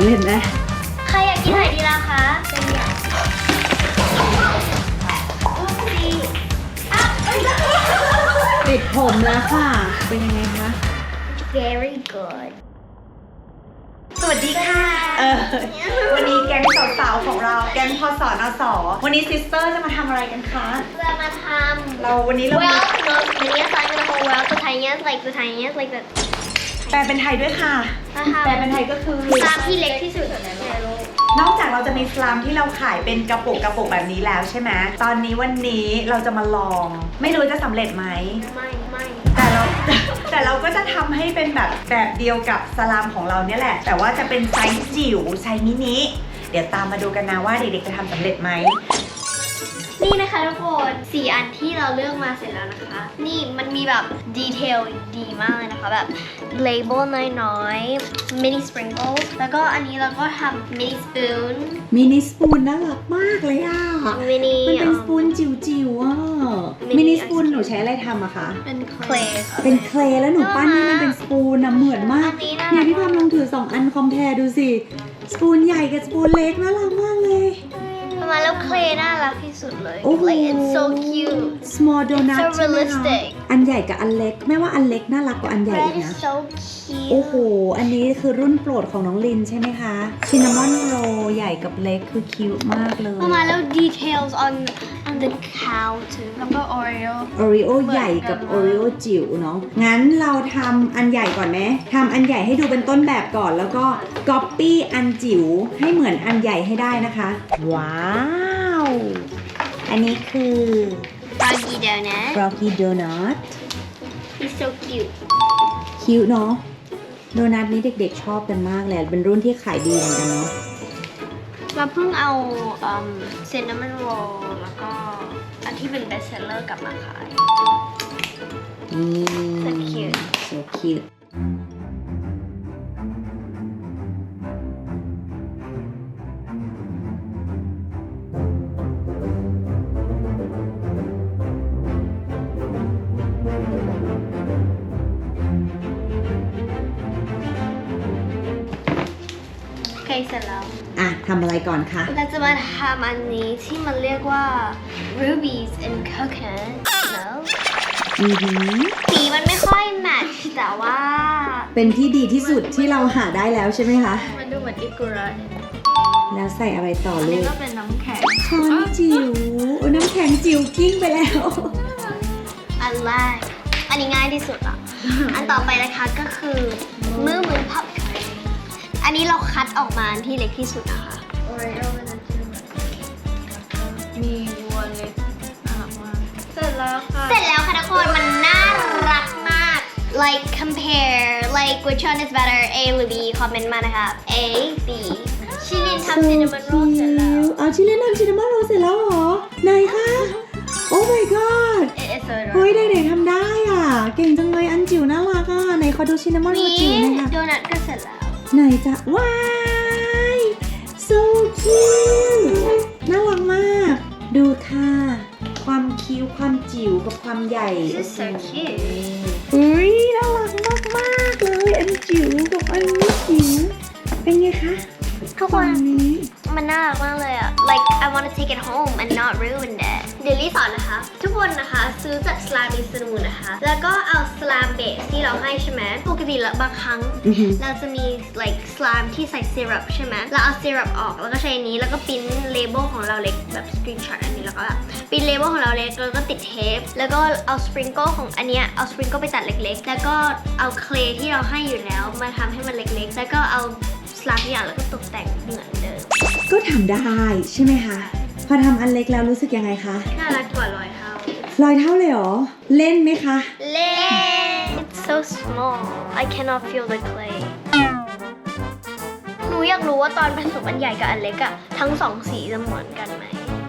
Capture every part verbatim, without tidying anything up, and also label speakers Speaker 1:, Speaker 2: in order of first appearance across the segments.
Speaker 1: ำเร็จไหม
Speaker 2: ใครอยากกินไหนดีล่ะคะเป็นอยาก
Speaker 1: ปิดผมแล้วค่ะเป็นยังไงคะ
Speaker 2: very good
Speaker 3: สวัสดีค่ะเออวันนี้แก๊งสาวๆของเราแก๊งพสนสวันนี้ซิสเตอร์จะมาทำอะไรกันคะ
Speaker 2: จะมาทำ
Speaker 3: เราวันนี้เรา
Speaker 2: well no many aside the whole well the tiniest like the tiniest like the
Speaker 3: แปลเป็นไทยด้วยค่ะแปลเป็นไทยก็คือ
Speaker 2: สลามที่เล็กที่สุดในโลก
Speaker 3: นอกจากเราจะมีสลามที่เราขายเป็นกระปุกกระปุกแบบนี้แล้วใช่ไหมตอนนี้วันนี้เราจะมาลองไม่รู้จะสำเร็จไหม
Speaker 2: ไม่ไม่
Speaker 3: แต่เราแต่เราก็จะทำให้เป็นแบบแบบเดียวกับสลามของเราเนี่ยแหละแต่ว่าจะเป็นไซส์จิ๋วไซส์มินิเดี๋ยวตามมาดูกันนะว่าเด็กๆจะทำสำเร็จไหม
Speaker 2: นี่นะคะทุกคนสี่อันที่เราเลือกมาเสร็จแล้วนะคะนี่มันมีแบบดีเทลดีมากเลยนะคะแบบ label น้อยๆ mini sprinkles แล้วก็อันนี้เราก็ทำ mini spoon
Speaker 1: มินิสปูนน่ารักมากเลยอ่ะ
Speaker 2: mini
Speaker 1: มันเป็นสปูนจิ๋วๆอ่ะมินิสปูนหนูใช้อะไรทำอะคะ
Speaker 2: เป็น clay
Speaker 1: เป็นเคลย์แล้วหนูปั้นให้มันเป็นสปูนนะเหมือนมากเนี่ยพี่พามลองถือสองอันคอมแพร์ดูสิสปูนใหญ่กับสปูนเล็กน่ารักมากเลย
Speaker 2: ประมาณแล้วเคลน่ารักที่สุดเลย
Speaker 1: like
Speaker 2: it's so cute
Speaker 1: small donut
Speaker 2: so realistic
Speaker 1: อันใหญ่กับอันเล็กไม่ว่าอันเล็กน่ารักกว่าอันใหญ่อีกนะ
Speaker 2: so cute
Speaker 1: โอ้โหอันนี้คือรุ่นโปรดของน้องลินใช่ไหมคะชินนามอนโรใหญ่กับเล็กคือคิวมากเลย
Speaker 2: ประมาณแล้ว details on on the counter แล้วก็ Oreo
Speaker 1: Oreo ใหญ่กับ Oreo จิ๋วเนาะงั้นเราทำอันใหญ่ก่อนไหมทำอันใหญ่ให้ดูเป็นต้นแบบก่อนแล้วก็ copy อันจิ๋วให้เหมือนอันใหญ่ให้ได้นะคะว้าวอันนี้คือ
Speaker 2: Froggy donut
Speaker 1: Froggy donut
Speaker 2: he's so cute
Speaker 1: คิวเนาะโดนัทนี้เด็กๆชอบกันมากเลยเป็นรุ่นที่ขายดีเหมือนกันเนาะ
Speaker 2: เราเพิ่งเอาเซนนามันโรลแล้วก็อันที่เป็น best seller กลับมาขาย
Speaker 1: นี่
Speaker 2: so cute
Speaker 1: so cute
Speaker 2: โอเคเสร็จแล้ว
Speaker 1: อ่ะทำอะไรก่อนคะ
Speaker 2: เราจะมาทำอันนี้ที่มันเรียกว่า rubies and coconut milk
Speaker 1: อือหือ
Speaker 2: สีมันไม่ค่อยแมทช์แต่ว่า
Speaker 1: เป็นที่ดีที่สุดที่เราหาได้แล้วใช่ไหมคะ
Speaker 2: มันดูเหมือนอิกุระ
Speaker 1: แล้วใส่อะไรต่อลูก
Speaker 2: นี่ก็เป็นน้ำแข็ง
Speaker 1: ช้อนจิ๋วโอ้น้ำแข็งจิ๋วกิ้งไปแล้ว
Speaker 2: อันแรกอันนี้ง่ายที่สุดอ่ะ อันต่อไปนะคะก็คือมือมือพับอันนี้เราคัดออกมาที่เล็กที่สุดนะคะโอเรโอมันจะมีวัวเล็กน่ารักมากเสร็จแล้วค่ะเสร็จแล้วค่ะทุกคนมันน่ารักมาก like compare like which one is better A หรือ B คอมเมนต์มานะคะ A B ชิลินทำซินนามอนโรลเสร็จแล้ว
Speaker 1: เอาชิลินทำซินนามอนโรลเสร็จแล้วเหรอไหนคะโอ้ my god เฮ้ยเด็กๆทำได้อ่ะเก่งจังเลยอันจิ๋วน่ารักอ่ะไหนขอดูชินนามอนโรลจิ๋วหน่อยค่ะ
Speaker 2: โดนัทก็เสร็จแล้ว
Speaker 1: ไหนจะว้าย so cute น่ารักมากดูค่ะความคิ้วความจิ๋วกับความใหญ่
Speaker 2: This is so cute
Speaker 1: อุ้ยน่ารักมากมากเลยอันจิ๋วกับอันไม่จิ๋วเป็นไงคะ
Speaker 2: ทุกคน
Speaker 1: นี้
Speaker 2: มันน่ารักมากเลยอะ like I want to take it home and not ruin it เดี๋ยวลี่สอนนะคะทุกคนนะคะซื้อจากสลามอินสตูนนะคะแล้วก็เอาสลามเบสที่เราให้ใช่ไหมปกติแล้วบางครั้งเราจะมี like สลามที่ใส่ซีรัปใช่ไหมเราเอาซีรัปออกแล้วก็ใช้นี้แล้วก็ปิ้นเลเบลของเราเล็กแบบสกรีนช็อตอันนี้แล้วก็แบบปิ้นเลเบลของเราเล็กแล้วก็ติดเทปแล้วก็เอาสปริงเกิลของอันเนี้ยเอาสปริงเกิลไปตัดเล็กๆแล้วก็เอาเคลที่เราให้อยู่แล้วมาทำให้มันเล็กๆแล้วก็เอาสลามอย่างแล้วก็ตกแต่งเหมือนเดิม
Speaker 1: ก็ทำได้ใช่ไหมคะพอทำอันเล็กแล้วรู้สึกยังไงคะ
Speaker 2: น่ารักกว่าร้อยเท่า
Speaker 1: ร้อยเท่าเลยเหรอเล่นไหมคะ
Speaker 2: เล่น It's so small I cannot feel the clay หนูอยากรู้ว่าตอนผสมอันใหญ่กับอันเล็กอะทั้งสองสีจะเหมือนกันไหม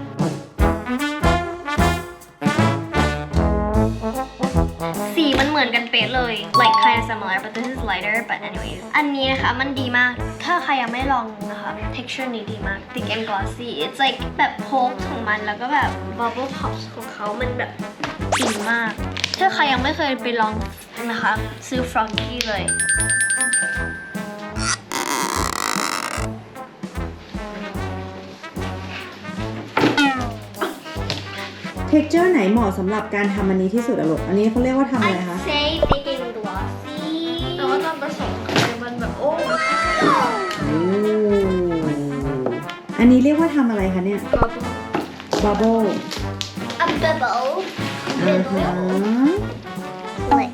Speaker 2: สีมันเหมือนกันเป๊ะเลย like kind of similar but this is lighter but anyways อันนี้นะคะมันดีมากถ้าใครยังไม่ลองนะคะ texture นี้ดีมาก thick and glossy it's like แบบโพกของมันแล้วก็แบบ bubble pops ของเขามันแบบดีมากถ้าใครยังไม่เคยไปลองนะคะซื้อ Froggy เลย
Speaker 1: texture ไหนเหมาะสำหรับการทำอันนี้ที่สุดอะลูกอันนี้เขาเรียกว่าทำอะไร
Speaker 2: I'd
Speaker 1: คะ
Speaker 2: say making glossy
Speaker 4: แต่ว่าตอนผสมมันแบบโอ้
Speaker 1: โอ้อันนี้เรียกว่าทำอะไรคะเนี่ย bubble
Speaker 2: a bubble
Speaker 1: อ่าฮะ
Speaker 2: like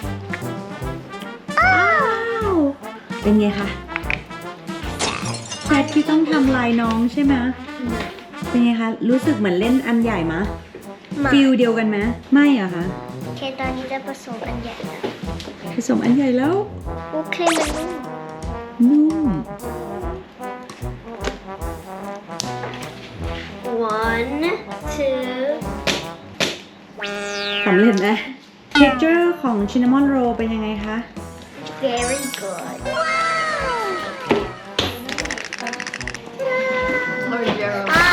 Speaker 1: อ้าว เป็นไงคะแพทที่ต้องทำลายน้องใช่ไหมเป็นไงคะ รู้สึกเหมือนเล่นอันใหญ่มะ
Speaker 2: มา
Speaker 1: ฟิลเดียวกันไหมไม่อะคะ
Speaker 2: โอเคตอนนี้จะผสมอันใหญ่แล้ว
Speaker 1: ผสมอันใหญ่แล้ว
Speaker 2: โอเคมันนุ่ม
Speaker 1: นุ่ม
Speaker 2: one two
Speaker 1: สำเร็จไหม texture ของ cinnamon roll เป็นยังไงคะ
Speaker 2: very good อ่ะ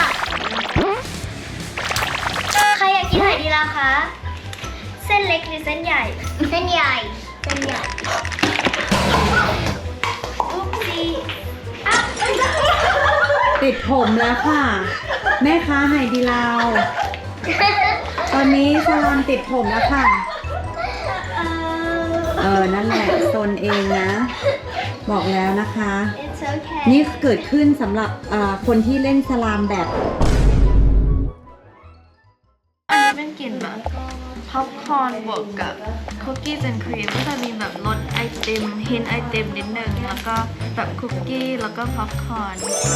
Speaker 2: ใครอยากกินไหนดีล่ะคะ เส้นเล็กหรือเส้นใหญ่ เส้นใหญ่ เส้นใหญ่ อุ๊บซีอ่ะ
Speaker 1: ติดผมแล้วค่ะ แม่ค้าไฮดีลาว ตอนนี้สลอนติดผมแล้วค่ะ เออ นั่นแหละโซนเองนะ บอกแล้วนะคะ
Speaker 2: It's okay
Speaker 1: นี่เกิดขึ้นสำหรับเอ่อคนที่เล่นสลามแบบ
Speaker 4: อันนี้เป็นกลิ่นแบบพ็อปคอร์นบวกกับคุกกี้แอนด์ครีมก็จะมีแบบรสไอติมฮินไอติมนิดนึงแล้วก็แบบคุกกี้แล้วก็พ็อปคอร์น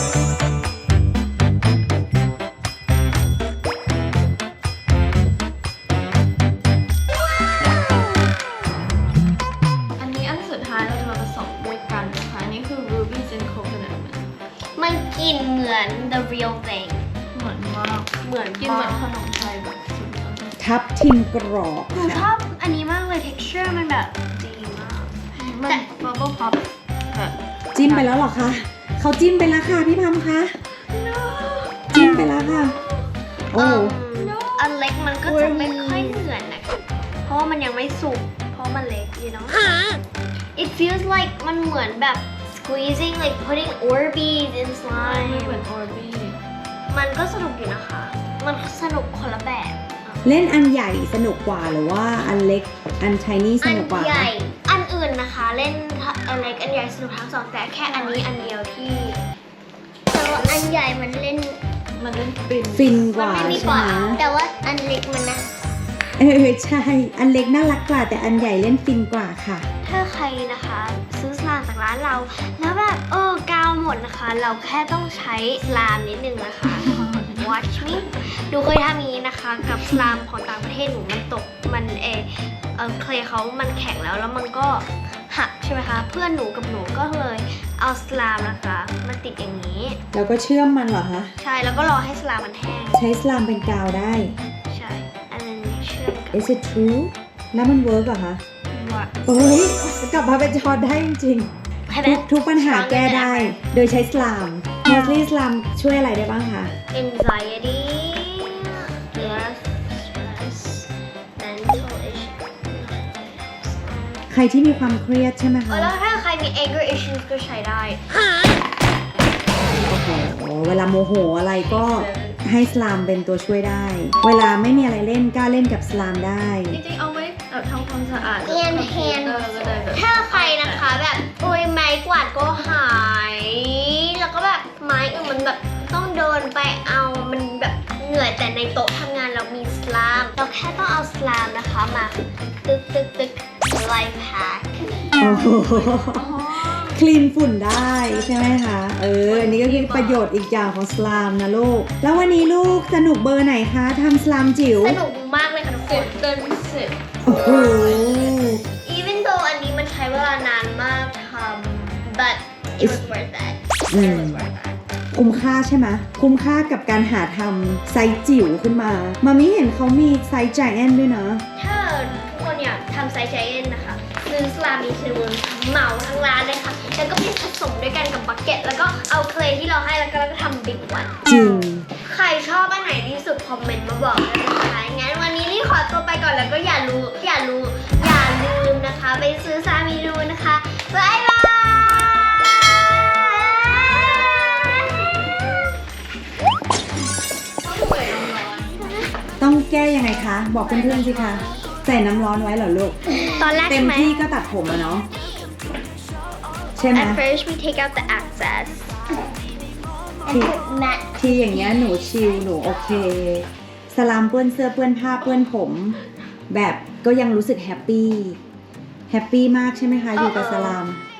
Speaker 4: อันนี้อันสุดท้ายเราจะมาผสมด้วยกันนะคะอันนี้คือ rubies and coconut
Speaker 2: มันกลิ่นเหมือน the real thing
Speaker 4: เหมือนมาก
Speaker 2: เหมือน
Speaker 4: กินเหมือนขนมไทยแบบสุดยอด
Speaker 1: ทับทิมกรอบ
Speaker 2: หนูช
Speaker 1: ค่ะ
Speaker 2: อบอันนี้มากเลย texture มันแบบดีมาก
Speaker 4: มัน
Speaker 2: แต่
Speaker 4: bubble pop แบบ
Speaker 1: จิ้มไปแล้วเหรอคะ เขาจิ้มไปแล้วค่ะพี่พัมคะ จิ้มไปแล้วค่ะ โอ้
Speaker 2: เอิ่มอันเล็กมันก็จะไม่ค่อยเหมือนนะเพราะว่ามันยังไม่สุก เพราะมันเล็ก you know it feels like มันเหมือนแบบ squeezing like putting Orbeez in
Speaker 4: ไม่
Speaker 2: slime
Speaker 4: เหมือน Orby
Speaker 2: มันก็สนุกอยู่นะคะ มันสนุกคนละแบบ
Speaker 1: เล่นอันใหญ่สนุกกว่าหรือว่าอันเล็กอันไทนี่ส
Speaker 2: อัน
Speaker 1: นุกกว่า
Speaker 2: ใหญ่ อันอื่นนะคะ เล่นอันเล็กอันใหญ่สนุกทั้งสองแต่แค่อันนี้อันเดียวที่แต่ว่าอันใหญ่มันเล่น
Speaker 4: มันเล่นฟิน
Speaker 1: ฟินก
Speaker 2: มัน
Speaker 1: ว่า
Speaker 2: ไม่มี
Speaker 1: ใช่
Speaker 2: กว่า
Speaker 1: ไหม
Speaker 2: แต่ว่าอันเล็กมันนะ
Speaker 1: เออใช่ อันเล็กน่ารักกว่าแต่อันใหญ่เล่นฟินกว่าค่ะ
Speaker 2: ถ้าใครนะคะ ซื้อสลามจากร้านเรา แล้วแบบเออกาวหมดนะคะ เราแค่ต้องใช้สลามนิดนึงนะคะ watch me หนูเคยทำอย่างนี้นะคะ กับสลามของต่างประเทศหนูมันตกมันเออเออเคลย์เขามันแข็งแล้วแล้วมันก็หักใช่ไหมคะ เพื่อนหนูกับหนูก็เลยเอาสลามนะคะมาติดอย่างนี้
Speaker 1: แล้วก็เชื่อมมันเหรอคะ
Speaker 2: ใช่แล้วก็รอให้สลามมันแห้ง
Speaker 1: ใช้สลามเป็นกาวได้
Speaker 2: ใช่อันนั้นเชื่อมกัน
Speaker 1: Is it true แล้วมันเวิร์กเหรอคะ
Speaker 2: ว่า
Speaker 1: โอ้ยกลับมาเป็นจอได้จริง
Speaker 2: ใช่
Speaker 1: ๆ
Speaker 2: ไหม
Speaker 1: ทุกทุกปัญหาแก้ได้ โดยใช้สลาม mostly สลามช่วยอะไรได้บ้างคะ
Speaker 2: anxiety yes stress mental issue
Speaker 1: ใครที่มีความเครียดใช่ไหม
Speaker 2: เอ
Speaker 1: คะ
Speaker 2: อแล้วถ้าใครมี anger issues ก็ใช้ได้
Speaker 1: โอ้โหเวลาโมโหอะไรก็ให้สลามเป็นตัวช่วยได้ เวลาไม่มีอะไรเล่นก็เล่นกับสลามได้
Speaker 4: จริงๆเอาไว้แบบทำความสะอาด
Speaker 2: And
Speaker 4: คอมพิวเตอร์ก็ได้แบบ
Speaker 2: ถ้าใครนะคะแบบโอ้ยไม้กวาดก็หาย แล้วก็แบบไม้อื่นมันแบบต้องเดินไปเอามันแบบเหนื่อยแต่ในโต๊ะทำงานเรามีสลามเราแค่ต้องเอาสลามนะคะมาตึกตึกตึกไลฟ์แพ็ค
Speaker 1: โอ้โหคลีนฝุ่นได้ใช่ไหมคะ เออ อันนี้ก็คือประโยชน์อีกอย่างของสลามนะลูก แล้ววันนี้ลูกสนุกเบอร์ไหนคะทำสลามจิ๋ว
Speaker 2: สนุกมากเลยค่ะทุกค
Speaker 4: สิบ
Speaker 2: น
Speaker 4: เต็มสิบ
Speaker 1: โอ้โห
Speaker 2: even though อันนี้มันใช้เวลานานมากทำ but it was worth it
Speaker 1: อื
Speaker 2: it
Speaker 1: ม
Speaker 2: was worth it
Speaker 1: คุ้มค่าใช่ไหมคุ้มค่ากับการหาทำไซส์จิ๋วขึ้นมา มามิเห็นเขามีไซส์ giant ด้วยนะ
Speaker 2: ถ้าทุกคนอยากทำไซส์ใจเย็นนะคะซื้อสลามีซิมูนเหมาทั้งร้านเลยค่ะ แล้วก็ไปผสมด้วยกันกับบักเก็ต แล้วก็เอาเคลย์ที่เราให้แล้วก็แล้วก็ทำบิ๊กวัน
Speaker 1: จริง
Speaker 2: ใครชอบอันไหนที่สุดคอมเมนต์มาบอกได้นะคะงั้นวันนี้รีขอตัวไปก่อนแล้วก็อย่ารู้อย่ารู้อย่าลืมนะคะ ไปซื้อซามิรูนะคะบ๊ายบาย
Speaker 1: ต้องแก้ยังไงคะ บอกเพื่อนๆสิคะ ใส่น้ำร้อนไว้เหรอลูก
Speaker 2: ตอนแรก
Speaker 1: เต็
Speaker 2: ใช่
Speaker 1: ม
Speaker 2: ไหม
Speaker 1: ที่ก็ตัดผมอะเนาะใช่ไหม
Speaker 2: At first we take out the excess
Speaker 1: ทีทีอย่างเงี้ยหนูชิลหนูโอเค สลามเปื้อนเสื้อเปื้อนผ้าเปื้อนผม แบบก็ยังรู้สึกแฮปปี้แฮปปี้มากใช่ไหมคะ อยู่กับสลาม
Speaker 2: Uh-oh.